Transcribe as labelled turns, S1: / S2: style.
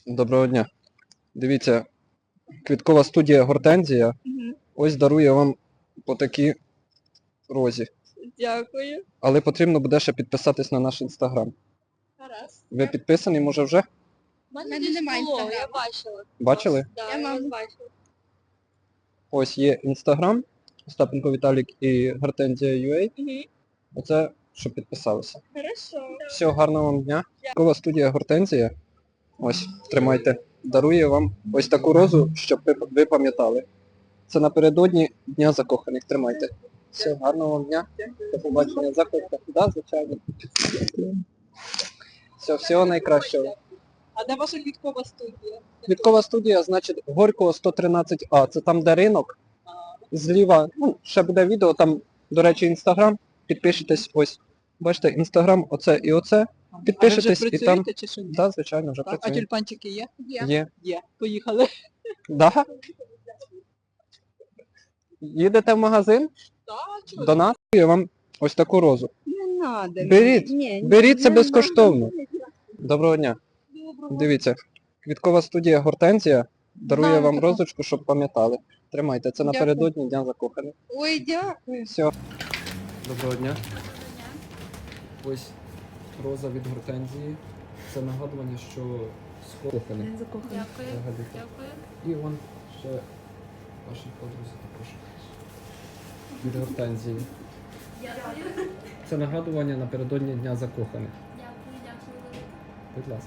S1: Доброго дня. Дивіться, квіткова студія Гортензія. Ось дарує вам по такій розі.
S2: Дякую.
S1: Але потрібно буде ще підписатись на наш інстаграм.
S2: Гаразд.
S1: Ви підписані, може вже?
S2: У мене
S3: мене
S2: десь
S3: немає
S2: було,
S3: Інстаграму.
S2: я бачила.
S1: Бачили?
S2: Да,
S3: Я
S2: я вас
S3: мам.
S2: бачила.
S1: Ось є інстаграм, Остапенко Віталік і Гортензія UA. Оце, щоб підписалися.
S2: Хорошо.
S1: Всього гарного вам дня. Квіткова студія Гортензія. Ось, тримайте. Дарує вам ось таку розу, щоб ви пам'ятали. Це напередодні Дня закоханих. Тримайте. Всього гарного вам дня. До побачення. Заходьте. Да, звичайно. Всього найкращого.
S2: А де ваша квіткова студія?
S1: Квіткова студія, значить, Горького 113А. Це там, де ринок. Зліва, ще буде відео, там, до речі, інстаграм. Підпишитесь, ось. Бачите, інстаграм, оце і оце. Підпишитесь
S4: а ви вже
S1: і там.
S4: працюєте чи що? ні?
S1: Да, звичайно, вже
S4: Так, а
S1: працюємо.
S4: тюльпанчики є?
S1: Є.
S4: Є. Поїхали.
S1: Да? Їдете в магазин?
S4: Так,
S1: До нас я вам ось таку розу.
S3: Не надо.
S1: Беріть.
S3: Ні,
S1: Беріть, це
S3: не
S1: безкоштовно.
S3: надо.
S1: Доброго дня. Дивіться, квіткова студія Гортензія дарує
S3: Знаю
S1: вам
S3: таку.
S1: розочку, щоб пам'ятали. Тримайте, це
S3: Дякую.
S1: напередодні Дня закоханих.
S3: Ой, дякую.
S1: Все. Доброго дня. Ось роза від Гортензії. Це нагадування, що скоро
S3: Закохана.
S2: Дякую.
S1: І вон ще вашій подрузі також. Від Гортензії. Це нагадування напередодні Дня закоханих.
S2: Дякую.
S1: Будь ласка.